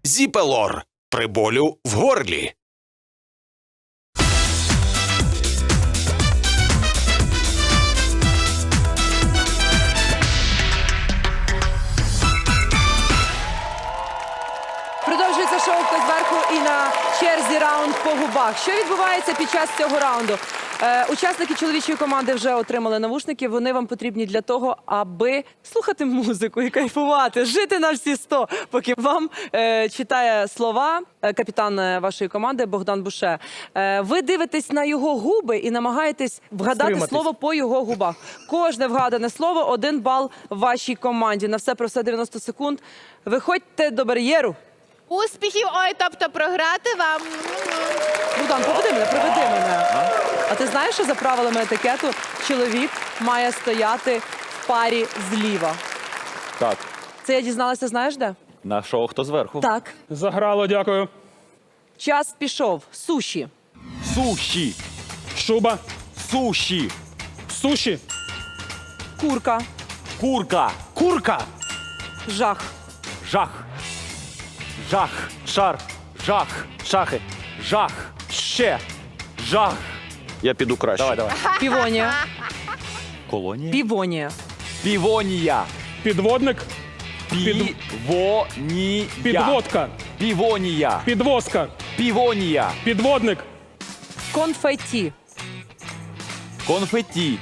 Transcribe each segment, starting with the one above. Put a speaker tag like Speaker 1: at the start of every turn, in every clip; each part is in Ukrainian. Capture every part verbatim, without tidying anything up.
Speaker 1: Зіпелор при болю в горлі.
Speaker 2: Продовжується шоу «Хто зверху» і на черзі раунд по губах. Що відбувається під час цього раунду? Е, учасники чоловічої команди вже отримали навушники. Вони вам потрібні для того, аби слухати музику і кайфувати, жити на всі сто, поки вам е, читає слова е, капітан е, вашої команди Богдан Буше. Е, ви дивитесь на його губи і намагаєтесь вгадати
Speaker 3: Стриматись.
Speaker 2: слово по його губах. Кожне вгадане слово – один бал вашій команді. На все про все дев'яносто секунд. Виходьте до бар'єру.
Speaker 4: Успіхів, ой, тобто програти вам.
Speaker 2: Богдан, поведи мене, приведи мене. А ти знаєш, що за правилами етикету чоловік має стояти в парі зліва?
Speaker 5: Так,
Speaker 2: Це я дізналася, знаєш де?
Speaker 5: на шоу «Хто зверху».
Speaker 2: Так.
Speaker 3: Заграло, дякую.
Speaker 2: Час пішов. Суші.
Speaker 5: Суші,
Speaker 3: Шуба.
Speaker 5: суші,
Speaker 3: Суші.
Speaker 2: Курка.
Speaker 5: курка,
Speaker 3: Курка.
Speaker 2: Жах.
Speaker 5: жах, жах, шар, жах, шахи, жах, ще, жах. Я піду краще. Давай, давай.
Speaker 2: Півонія.
Speaker 5: Колонія?
Speaker 2: Півонія.
Speaker 5: Півонія.
Speaker 3: Підводник.
Speaker 5: Півонія.
Speaker 3: Підводка.
Speaker 5: Півонія.
Speaker 3: Підвозка.
Speaker 5: Півонія.
Speaker 3: Підводник.
Speaker 2: Конфеті.
Speaker 5: Конфеті.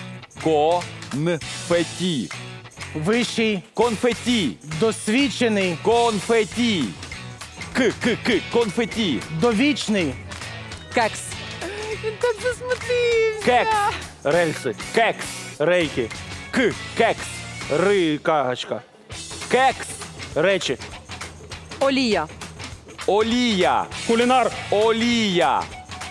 Speaker 5: Конфеті.
Speaker 6: Вищий,
Speaker 5: Конфеті.
Speaker 6: досвідчений,
Speaker 5: Конфеті. К, к, к, конфеті.
Speaker 6: довічний,
Speaker 2: Кекс.
Speaker 4: Він так засмутився.
Speaker 5: Кекс. Рельси. Кекс. Рейки. К. Кекс. Ри. Кагачка. Кекс. Речі.
Speaker 2: Олія.
Speaker 5: Олія.
Speaker 3: Кулінар.
Speaker 5: Олія.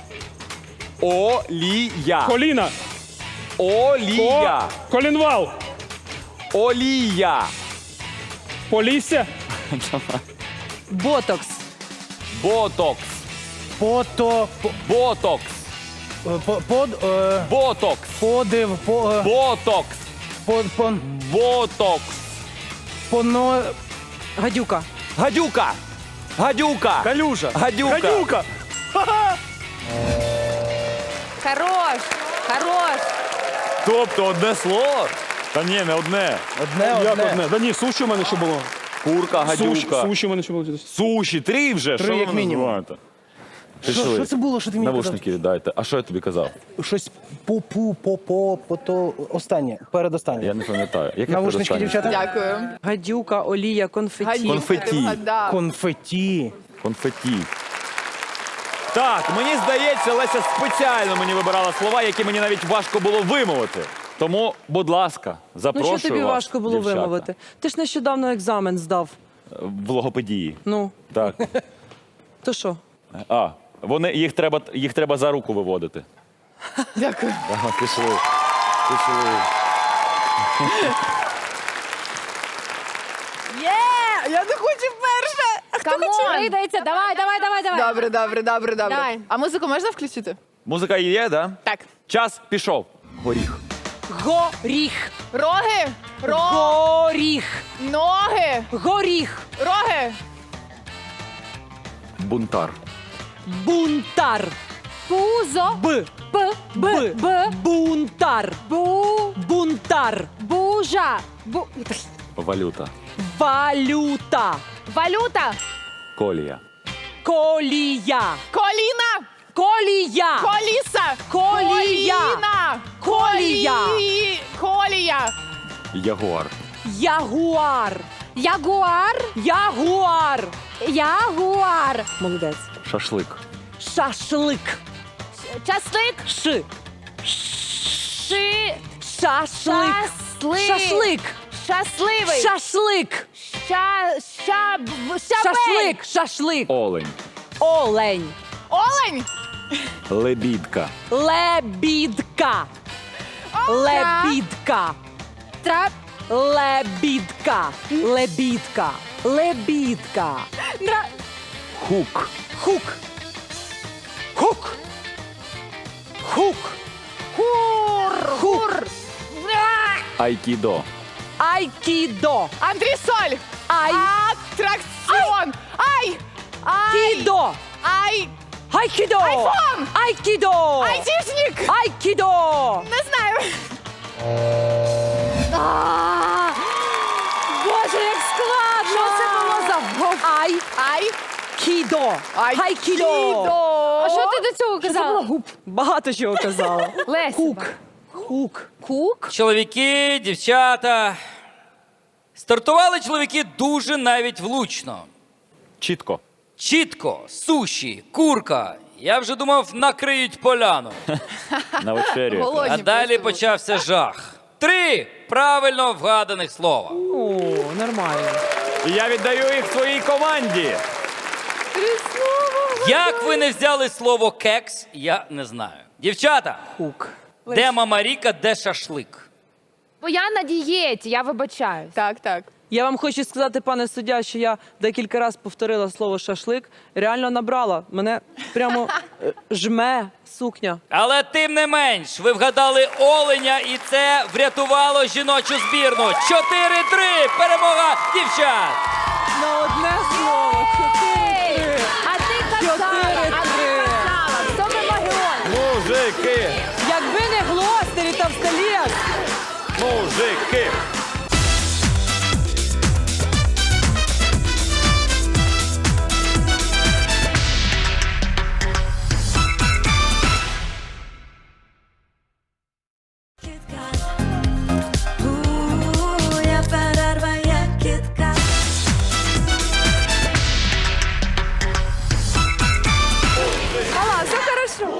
Speaker 5: Олія.
Speaker 3: Коліна.
Speaker 5: Олія.
Speaker 3: Ко... Колінвал.
Speaker 5: Олія.
Speaker 3: Полісся.
Speaker 2: Ботокс.
Speaker 5: Ботокс.
Speaker 6: пото, по-
Speaker 5: Ботокс.
Speaker 6: по- под, е,
Speaker 5: Ботокс.
Speaker 6: подив, по, е,
Speaker 5: Ботокс.
Speaker 6: по, по,
Speaker 5: Ботокс.
Speaker 6: поно,
Speaker 2: Гадюка.
Speaker 5: Гадюка. Гадюка.
Speaker 3: Калюжа.
Speaker 5: Гадюка.
Speaker 3: Гадюка.
Speaker 4: Хорош, хорош.
Speaker 5: Тобто одне слово? Та ні, не одне.
Speaker 6: одне,
Speaker 3: Як
Speaker 6: одне.
Speaker 3: одне? Да ні, суші у мене ще було.
Speaker 5: Курка,
Speaker 3: Суші,
Speaker 5: гадюка.
Speaker 3: суші у мене ще було.
Speaker 5: Суші, три вже?
Speaker 6: Три,
Speaker 5: Що
Speaker 6: як
Speaker 5: ви
Speaker 6: мінімум.
Speaker 5: називаєте?
Speaker 6: Що,
Speaker 5: Пішли.
Speaker 6: що це було, що ти мені
Speaker 5: Навушники віддайте. А що я тобі казав?
Speaker 6: казав? Щось пу-пу, по-по, по-то, останнє, передостаннє.
Speaker 5: Я не пам'ятаю. Яке
Speaker 6: Навушнички,
Speaker 5: передостаннє?
Speaker 6: дівчата?
Speaker 4: Дякую.
Speaker 2: Гадюка, олія, конфеті.
Speaker 4: Гадюка,
Speaker 5: Конфеті.
Speaker 4: ти вгадав.
Speaker 6: Конфеті.
Speaker 5: Конфеті. Так, мені здається, Леся спеціально мені вибирала слова, які мені навіть важко було вимовити. Тому, будь ласка,
Speaker 2: Ну
Speaker 5: запрошую
Speaker 2: що тобі
Speaker 5: вас,
Speaker 2: важко було
Speaker 5: дівчата,
Speaker 2: вимовити? Ти ж нещодавно екзамен здав.
Speaker 5: в логопедії.
Speaker 2: Ну,
Speaker 5: Так.
Speaker 2: то що?
Speaker 5: А, вони, їх, треба, їх треба за руку виводити.
Speaker 4: Дякую.
Speaker 5: Ага, пішли. Пішли.
Speaker 4: Є! Я не хочу перше. А хто хоче?
Speaker 7: Прийдеться, давай, давай, давай, давай.
Speaker 4: Добре, добре, добре, добре.
Speaker 7: Давай.
Speaker 4: А музику можна включити?
Speaker 5: Музика є, да?
Speaker 4: Так.
Speaker 5: Час пішов. Горіх.
Speaker 2: Горіх.
Speaker 4: Роги, ро,
Speaker 2: Горіх.
Speaker 4: ноги,
Speaker 2: Горіх.
Speaker 4: роги,
Speaker 5: Бунтар.
Speaker 2: Бунтар.
Speaker 7: Пузо.
Speaker 2: Б.
Speaker 7: П. Б.
Speaker 2: Б.
Speaker 7: Б.
Speaker 2: Бунтар.
Speaker 7: Бу.
Speaker 2: Бунтар.
Speaker 7: Бужа. Бу.
Speaker 5: Валюта.
Speaker 2: Валюта.
Speaker 7: Валюта.
Speaker 5: Колія.
Speaker 2: Колія.
Speaker 4: коліна,
Speaker 2: Колія.
Speaker 4: коліса,
Speaker 2: Колія.
Speaker 4: коліна,
Speaker 2: Колія.
Speaker 4: колі- колія,
Speaker 5: Ягуар.
Speaker 2: Ягуар.
Speaker 7: Ягуар.
Speaker 2: Ягуар.
Speaker 7: Ягуар.
Speaker 2: Молодець.
Speaker 5: Шашлик.
Speaker 2: Шашлик.
Speaker 7: Часлик.
Speaker 2: Ш.
Speaker 7: Ши.
Speaker 2: Шашлик.
Speaker 7: Шаслик.
Speaker 2: Шашлик.
Speaker 4: щасливий,
Speaker 2: Шашлик.
Speaker 7: Ща. Ща. б- щабель.
Speaker 2: Шашлик. Шашлик.
Speaker 5: Олень.
Speaker 2: Олень.
Speaker 4: олень,
Speaker 5: Лебідка.
Speaker 2: Лебідка. Лебідка.
Speaker 7: Трап.
Speaker 2: Лебідка. Лебідка. Лебідка.
Speaker 7: Дра.
Speaker 5: Хук.
Speaker 2: Хук. Хук. Хук.
Speaker 7: Хур. Хур.
Speaker 5: Айкідо.
Speaker 2: Айкідо.
Speaker 4: антресоль,
Speaker 2: Ай.
Speaker 4: атракціон, ай,
Speaker 2: Айкідо.
Speaker 4: Ай.
Speaker 2: Айкідо.
Speaker 4: Айфон.
Speaker 2: Айкідо.
Speaker 4: Айтішник.
Speaker 2: Айкідо.
Speaker 4: Не знаю.
Speaker 7: А, Боже, як складно!
Speaker 2: Що це було за Ай.
Speaker 4: Ай.
Speaker 2: Кідо. Айкідо.
Speaker 7: А що ти до цього казала?
Speaker 2: Багато чого казала.
Speaker 7: Леся.
Speaker 2: Хук. Хук.
Speaker 7: Кук?
Speaker 8: Чоловіки, дівчата. Стартували чоловіки дуже навіть влучно.
Speaker 5: Чітко.
Speaker 8: Чітко, суші, курка. Я вже думав, накриють поляну.
Speaker 5: На вечерю.
Speaker 4: Голодні
Speaker 8: А далі
Speaker 4: просто.
Speaker 8: почався жах. Три правильно вгаданих слова.
Speaker 2: О, нормально.
Speaker 5: І я віддаю їх своїй команді.
Speaker 8: Як ви не взяли слово кекс, я не знаю. Дівчата,
Speaker 2: Хук.
Speaker 8: де мама Ріка, де шашлик?
Speaker 7: Бо я на дієті, я вибачаюсь.
Speaker 4: Так, так.
Speaker 2: Я вам хочу сказати, пане суддя, що я декілька разів повторила слово шашлик. Реально набрала. Мене прямо е, жме сукня.
Speaker 8: Але тим не менш, ви вгадали оленя, і це врятувало жіночу збірну. чотири-три. Перемога дівчат!
Speaker 2: На одне слово. Чотири-три.
Speaker 7: А ти казала, а ти
Speaker 2: Чотири-три.
Speaker 7: казала, в цьому магіоні.
Speaker 5: Мужики!
Speaker 2: Якби не Глостері та Всталєс.
Speaker 5: Мужики!
Speaker 9: Я перерва, як кітка.
Speaker 4: Мала, все хорошо.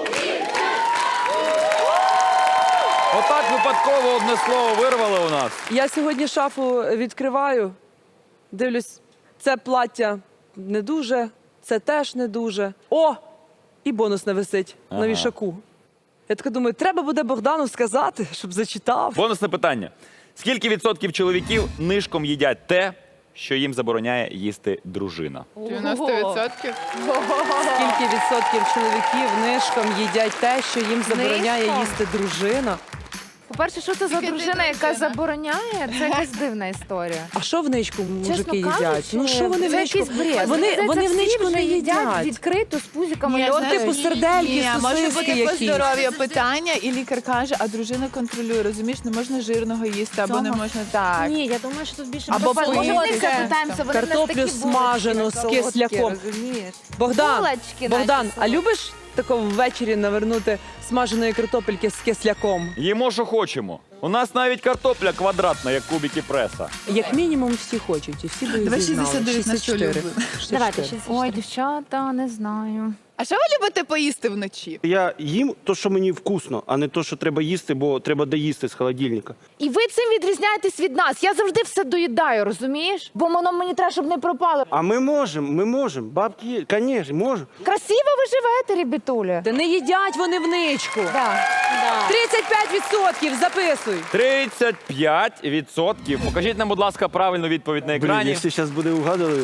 Speaker 5: Отак випадково одне слово вирвали у нас.
Speaker 2: Я сьогодні шафу відкриваю, дивлюсь, це плаття не дуже, це теж не дуже. О! І бонус не висить
Speaker 5: Ага.
Speaker 2: на вішаку. Я така думаю, треба буде Богдану сказати, щоб зачитав.
Speaker 5: Бонусне питання. Скільки відсотків чоловіків нишком їдять те, що їм забороняє їсти дружина?
Speaker 4: дев'яносто відсотків.
Speaker 2: Скільки відсотків чоловіків нишком їдять те, що їм забороняє
Speaker 7: Нишком?
Speaker 2: їсти дружина?
Speaker 7: По-перше, що це за
Speaker 4: Тільки ти
Speaker 7: дружина, яка
Speaker 4: дружина.
Speaker 7: забороняє? Це якась дивна історія.
Speaker 2: А що в ничку мужики
Speaker 7: Чесно
Speaker 2: їдять?
Speaker 7: кажучи,
Speaker 2: Ну що вони в
Speaker 7: це
Speaker 2: ничку?
Speaker 7: якийсь бред.
Speaker 2: Вони,
Speaker 7: Здається,
Speaker 2: вони в
Speaker 7: всі
Speaker 2: ничку
Speaker 7: вже
Speaker 2: не
Speaker 7: їдять
Speaker 2: їдять.
Speaker 7: відкрито з пузиками.
Speaker 4: Ні,
Speaker 7: льоти.
Speaker 2: типу
Speaker 4: знаєш,
Speaker 2: сердельки,
Speaker 4: ні, може
Speaker 2: сосиски
Speaker 4: бути по
Speaker 2: якісь.
Speaker 4: здоров'ю питання, і лікар каже, а дружина контролює. Розумієш, не можна жирного їсти, або не
Speaker 7: Цього?
Speaker 4: можна так.
Speaker 7: Ні, я думаю, що тут більше
Speaker 4: Або
Speaker 7: про Може, в них
Speaker 4: пити.
Speaker 7: запитаємося, вони в нас
Speaker 2: Картоплю
Speaker 7: такі
Speaker 2: смажену
Speaker 7: булочки
Speaker 2: з
Speaker 7: на солодкі,
Speaker 2: кисляком.
Speaker 7: розумієш?
Speaker 2: Богдан,
Speaker 7: Булочки
Speaker 2: Богдан,
Speaker 7: наші
Speaker 2: а
Speaker 7: солодкі.
Speaker 2: любиш тако ввечері навернути смаженої картопельки з кисляком?
Speaker 5: Їмо, що хочемо. У нас навіть картопля квадратна, як кубики преса.
Speaker 2: Як мінімум всі хочуть, і всі би
Speaker 4: Давай
Speaker 2: зізнали.
Speaker 4: шістдесят дев'ять на що
Speaker 2: шістдесят чотири.
Speaker 4: любимо.
Speaker 7: Давайте,
Speaker 2: шістдесят чотири.
Speaker 7: Ой, дівчата, не знаю.
Speaker 4: А що ви любите поїсти вночі?
Speaker 10: Я їм то, що мені вкусно, а не то, що треба їсти, бо треба доїсти з холодильника.
Speaker 7: І ви цим відрізняєтесь від нас. Я завжди все доїдаю, розумієш? Бо воно мені треба, щоб не пропало.
Speaker 10: А ми можемо, ми можемо. Бабки є, звісно, можемо.
Speaker 7: Красиво ви живете, ребятуля.
Speaker 2: Та не їдять вони в ничку.
Speaker 7: Да.
Speaker 2: тридцять п'ять відсотків, записуй.
Speaker 5: тридцять п'ять відсотків. Покажіть нам, будь ласка, правильну відповідь на
Speaker 10: Блін,
Speaker 5: екрані.
Speaker 10: якщо зараз буде угадали.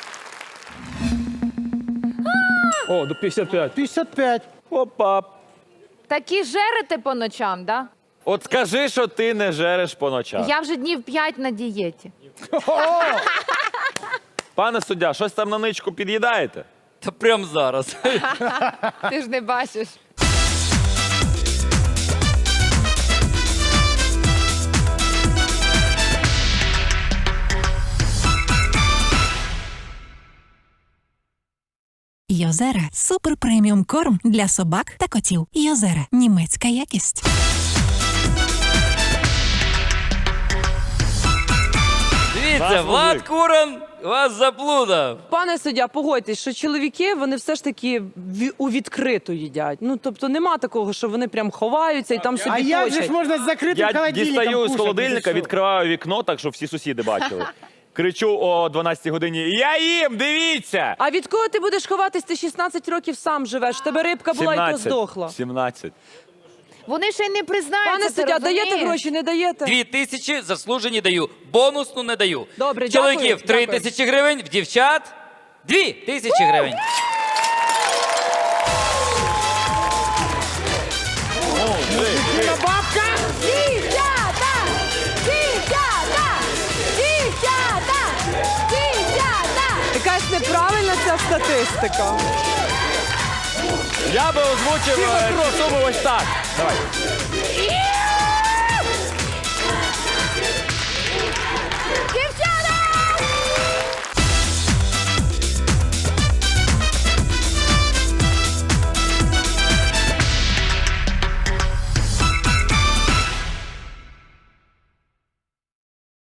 Speaker 3: О, до п'ятдесят п'ять.
Speaker 10: п'ятдесят п'ять.
Speaker 5: Опа.
Speaker 7: Такі жерете по ночам, да?
Speaker 5: От скажи, що ти не жереш по ночах.
Speaker 7: Я вже днів п'ять на дієті.
Speaker 5: Пане суддя, щось там на ничку під'їдаєте?
Speaker 8: Та прямо зараз.
Speaker 7: Ти ж не бачиш.
Speaker 11: Йозера – супер преміум корм для собак та котів. Йозера – німецька якість.
Speaker 8: Дивіться,
Speaker 5: Нас
Speaker 8: Влад
Speaker 5: мужик.
Speaker 8: Куран вас заплутав.
Speaker 2: Пане суддя, погодьтесь, що чоловіки вони все ж таки ві- у відкриту їдять. Ну тобто нема такого, що вони прям ховаються і там собі
Speaker 6: А як же
Speaker 2: точать.
Speaker 6: ж можна з закритим
Speaker 5: Я
Speaker 6: холодильником
Speaker 5: дістаю з
Speaker 6: кушати?
Speaker 5: холодильника,
Speaker 6: Ти що?
Speaker 5: відкриваю вікно, так щоб всі сусіди бачили. Кричу о дванадцятій годині: я їм, дивіться!
Speaker 2: А від кого ти будеш ховатись? Ти шістнадцять років сам живеш. В тебе рибка була і то здохла.
Speaker 5: сімнадцять.
Speaker 7: Вони ще й не признаються.
Speaker 2: Пане
Speaker 7: ти
Speaker 2: суддя, даєте
Speaker 7: розумієш?
Speaker 2: гроші, не даєте?
Speaker 8: Дві тисячі заслужені даю. Бонусну не даю.
Speaker 2: Добре,
Speaker 8: В чоловіків
Speaker 2: дякую,
Speaker 8: три
Speaker 2: дякую.
Speaker 8: тисячі гривень, в дівчат дві тисячі гривень.
Speaker 7: Дівчата! Дівчата! Дівчата! Дівчата!
Speaker 2: Якась неправильна Нормальна ця статистика.
Speaker 5: Я би озвучив е, ці суми ось так. Давай.